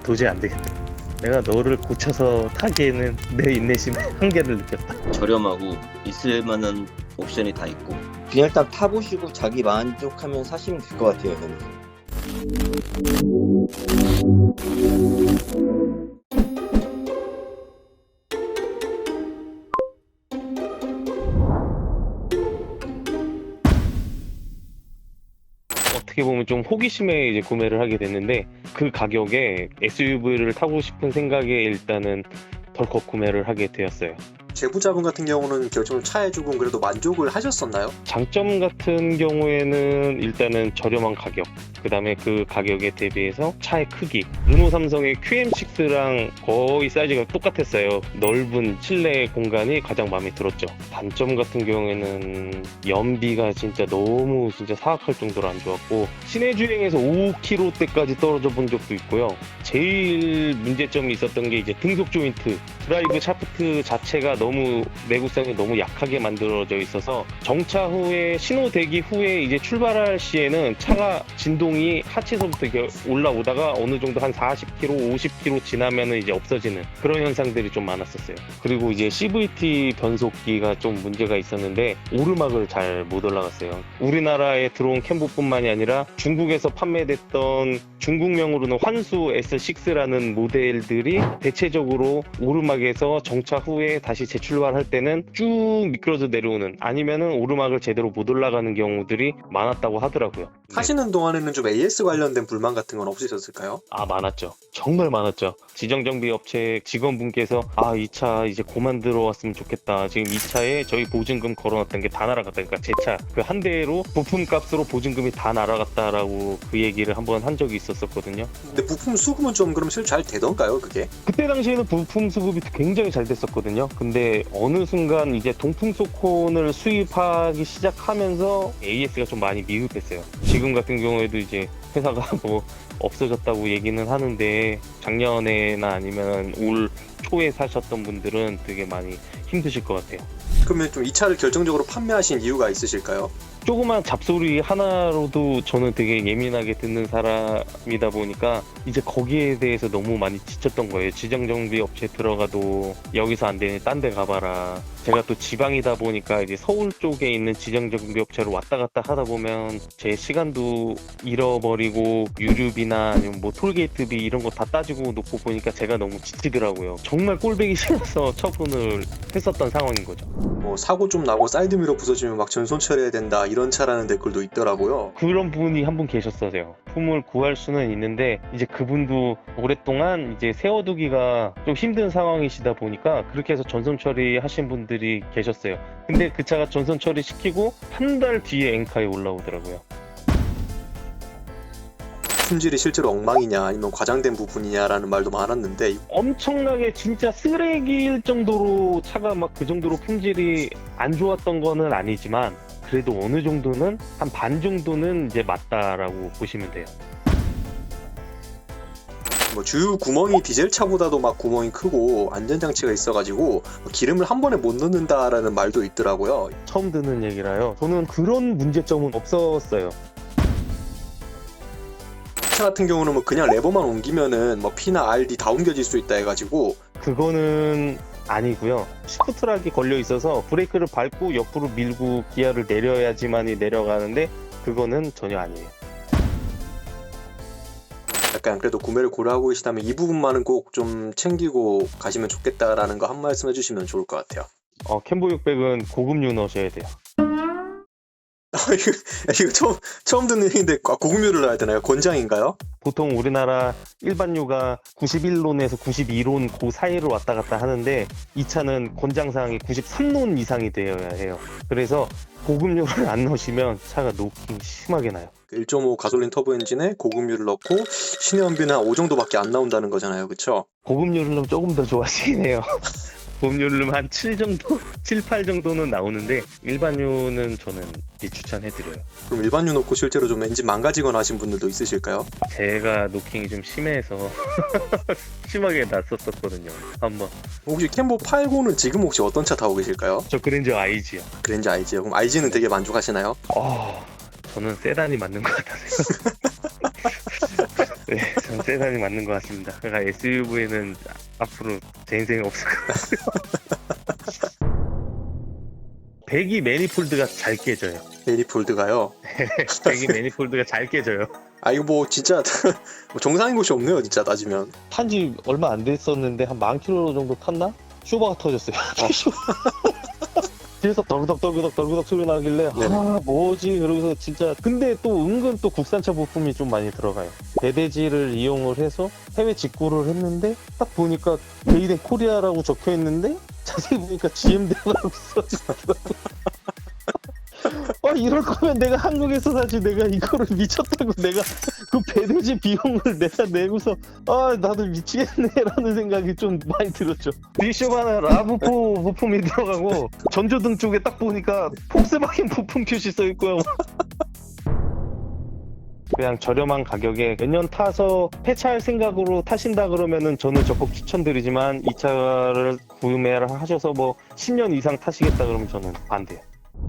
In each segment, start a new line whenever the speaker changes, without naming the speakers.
도저히 안 되겠다. 내가 너를 고쳐서 타기에는 내 인내심의 한계를 느꼈다.
저렴하고 있을 만한 옵션이 다 있고.
그냥 일단 타보시고 자기 만족하면 사시면 될 것 같아요. 저는.
어떻게 보면 좀 호기심에 이제 구매를 하게 됐는데 그 가격에 SUV를 타고 싶은 생각에 일단은 덜컥 구매를 하게 되었어요.
제부자분 같은 경우는 결정을 차에 주고 그래도 만족을 하셨었나요?
장점 같은 경우에는 일단은 저렴한 가격, 그 다음에 그 가격에 대비해서 차의 크기, 르노 삼성의 QM6랑 거의 사이즈가 똑같았어요. 넓은 실내 공간이 가장 마음에 들었죠. 단점 같은 경우에는 연비가 진짜 너무 진짜 사악할 정도로 안 좋았고, 시내 주행에서 5km대까지 떨어져 본 적도 있고요. 제일 문제점이 있었던 게 이제 등속 조인트, 드라이브 샤프트 자체가 너무 내구성이 너무 약하게 만들어져 있어서 정차 후에 신호 대기 후에 이제 출발할 시에는 차가 진동이 하체서부터 이렇게 올라오다가 어느 정도 한 40km, 50km 지나면은 이제 없어지는 그런 현상들이 좀 많았었어요. 그리고 이제 CVT 변속기가 좀 문제가 있었는데 오르막을 잘 못 올라갔어요. 우리나라에 들어온 캠보뿐만이 아니라 중국에서 판매됐던 중국명으로는 환수 S6라는 모델들이 대체적으로 오르막에서 정차 후에 다시 재출발할 때는 쭉 미끄러져 내려오는, 아니면은 오르막을 제대로 못 올라가는 경우들이 많았다고 하더라고요.
타시는 동안에는 좀 AS 관련된 불만 같은 건 없으셨을까요?
많았죠. 정말 많았죠. 지정정비업체 직원분께서 이 차 이제 그만 들어왔으면 좋겠다. 지금 이 차에 저희 보증금 걸어놨던 게 다 날아갔다. 그러니까 제 차 그 한 대로 부품값으로 보증금이 다 날아갔다라고 그 얘기를 한번 한 적이 있었거든요.
근데 부품 수급은 좀 그럼 실제 잘 되던가요, 그게?
그때 당시에는 부품 수급이 굉장히 잘 됐었거든요. 근데 어느 순간 이제 동풍소콘을 수입하기 시작하면서 AS가 좀 많이 미흡했어요. 지금 같은 경우에도 이제 회사가 뭐 없어졌다고 얘기는 하는데 작년에나 아니면 올 초에 사셨던 분들은 되게 많이 힘드실 것 같아요.
그러면 좀 이 차를 결정적으로 판매하신 이유가 있으실까요?
조그만 잡소리 하나로도 저는 되게 예민하게 듣는 사람이다 보니까 이제 거기에 대해서 너무 많이 지쳤던 거예요. 지정정비 업체 들어가도 여기서 안 되니 딴 데 가봐라. 제가 또 지방이다 보니까 이제 서울 쪽에 있는 지정정비 업체로 왔다 갔다 하다 보면 제 시간도 잃어버리고 유류비나 아니면 뭐 톨게이트비 이런 거 다 따지고 놓고 보니까 제가 너무 지치더라고요. 정말 꼴보기 싫어서 처분을 했었던 상황인 거죠.
뭐 사고 좀 나고 사이드미러 부서지면 막 전손 처리해야 된다 이런 차라는 댓글도 있더라고요.
그런 분이 한 분 계셨어요. 품을 구할 수는 있는데 이제 그분도 오랫동안 이제 세워두기가 좀 힘든 상황이시다 보니까 그렇게 해서 전선 처리하신 분들이 계셨어요. 근데 그 차가 전선 처리 시키고 한 달 뒤에 엔카에 올라오더라고요.
품질이 실제로 엉망이냐 아니면 과장된 부분이냐라는 말도 많았는데
엄청나게 진짜 쓰레기일 정도로 차가 막 그 정도로 품질이 안 좋았던 거는 아니지만 그래도 어느 정도는 한 반 정도는 이제 맞다라고 보시면 돼요.
뭐 주유 구멍이 디젤 차보다도 막 구멍이 크고 안전장치가 있어가지고 기름을 한 번에 못 넣는다라는 말도 있더라고요.
처음 듣는 얘기라요. 저는 그런 문제점은 없었어요.
차 같은 경우는 뭐 그냥 레버만 옮기면은 뭐 P나 RD 다 옮겨질 수 있다 해가지고
그거는 아니고요. 시프트락이 걸려 있어서 브레이크를 밟고 옆으로 밀고 기아를 내려야지만이 내려가는데 그거는 전혀 아니에요.
약간 그래도 구매를 고려하고 계시다면 이 부분만은 꼭 좀 챙기고 가시면 좋겠다라는 거 한 말씀 해주시면 좋을 것 같아요.
캠보 600은 고급류 넣으셔야 돼요.
이거 처음 듣는 얘기인데 고급류를 넣어야 되나요? 권장인가요?
보통 우리나라 일반류가 91론에서 92론 그 사이를 왔다 갔다 하는데 이 차는 권장사항이 93론 이상이 되어야 해요. 그래서 고급류를 안 넣으시면 차가 노킹 심하게 나요.
1.5 가솔린 터보 엔진에 고급류를 넣고 신연비는 한 5 정도밖에 안 나온다는 거잖아요. 그쵸?
고급류를 넣으면 조금 더 좋아하시긴 해요. 고급류를 넣으면 한 7 정도? 7, 8 정도는 나오는데 일반류는 저는 추천해드려요.
그럼 일반류 넣고 실제로 좀 엔진 망가지거나 하신 분들도 있으실까요?
제가 노킹이 좀 심해서 심하게 났었거든요. 한번.
혹시 캠보 89는 지금 혹시 어떤 차 타고 계실까요?
저 그랜저 IG요.
그랜저 IG요. 그럼 IG는 되게 만족하시나요?
저는 세단이 맞는 것 같아요. 네, 전 세단이 맞는 것 같습니다. 그러니까 SUV는 앞으로 제 인생에 없을 것 같아요. 배기 매니폴드가 잘 깨져요.
매니폴드가요.
배기 매니폴드가 잘 깨져요.
아 이거 뭐 진짜 뭐 정상인 곳이 없네요 진짜 따지면.
탄지 얼마 안 됐었는데 한 10,000km 정도 탔나? 쇼버가 터졌어요. 뒤에서 덜그덕 소리 나길래
네네.
아 뭐지 그러면서 진짜 근데 또 은근 또 국산차 부품이 좀 많이 들어가요. 배대지를 이용을 해서 해외 직구를 했는데 딱 보니까 메이드 인 코리아라고 적혀 있는데 자세히 보니까 GM대라고 써있더라고. 이럴 거면 내가 한국에서 사지 내가 이거를 미쳤다고 내가 그 배대지 비용을 내가 내고서 나도 미치겠네라는 생각이 좀 많이 들었죠. 디쇼바나 라브4 부품이 들어가고 전조등 쪽에 딱 보니까 폭스바겐 부품 큐시 써있고요. 그냥 저렴한 가격에 몇 년 타서 폐차할 생각으로 타신다 그러면은 저는 적극 추천드리지만 이 차를 구매를 하셔서 뭐 10년 이상 타시겠다 그러면 저는 반대요.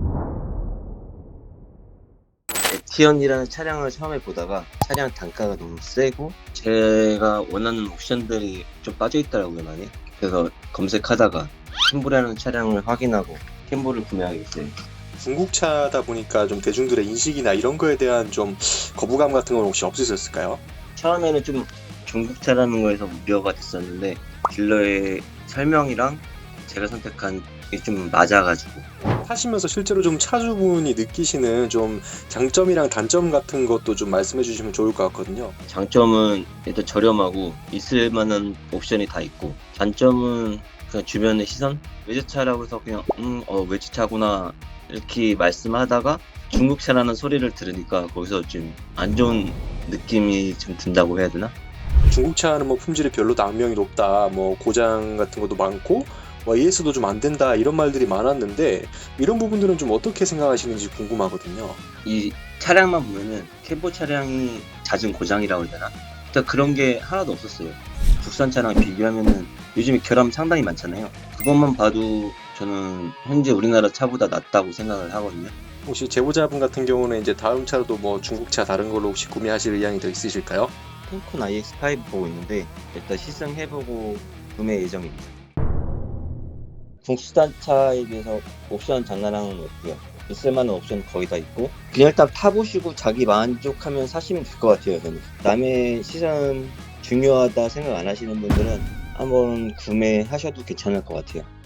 에티언이라는 차량을 처음에 보다가 차량 단가가 너무 세고 제가 원하는 옵션들이 좀 빠져있더라고요 많이. 그래서 검색하다가 캠보라는 차량을 확인하고 캠보를 구매하게 됐어요.
중국차다 보니까 좀 대중들의 인식이나 이런 거에 대한 좀 거부감 같은 건 혹시 없으셨을까요?
처음에는 좀 중국차라는 거에서 우려가 됐었는데 딜러의 설명이랑 제가 선택한 게 좀 맞아가지고
타시면서 실제로 좀 차주분이 느끼시는 좀 장점이랑 단점 같은 것도 좀 말씀해 주시면 좋을 것 같거든요.
장점은 일단 저렴하고 있을 만한 옵션이 다 있고 단점은 그냥 주변의 시선? 외제차라고 해서 그냥 외제차구나 이렇게 말씀하다가 중국차라는 소리를 들으니까 거기서 좀 안 좋은 느낌이 좀 든다고 해야 되나?
중국차는 뭐 품질이 별로 악명이 높다, 뭐 고장 같은 것도 많고 뭐 AS도 좀 안 된다 이런 말들이 많았는데 이런 부분들은 좀 어떻게 생각하시는지 궁금하거든요.
이 차량만 보면은 캠보 차량이 잦은 고장이라고 해야 되나? 일단 그런 게 하나도 없었어요. 국산 차랑 비교하면은 요즘에 결함 상당히 많잖아요. 그것만 봐도 저는 현재 우리나라 차보다 낫다고 생각을 하거든요.
혹시 제보자분 같은 경우는 이제 다음 차도 뭐 중국차 다른 걸로 혹시 구매하실 의향이 더 있으실까요?
탱콘 iX5 보고 있는데 일단 시승해보고 구매 예정입니다. 국산차에 비해서 옵션 장난하는 건 없고요. 있을만한 옵션 거의 다 있고 그냥 일단 타보시고 자기 만족하면 사시면 될 것 같아요. 저는 남의 시선 중요하다 생각 안 하시는 분들은 한번 구매하셔도 괜찮을 것 같아요.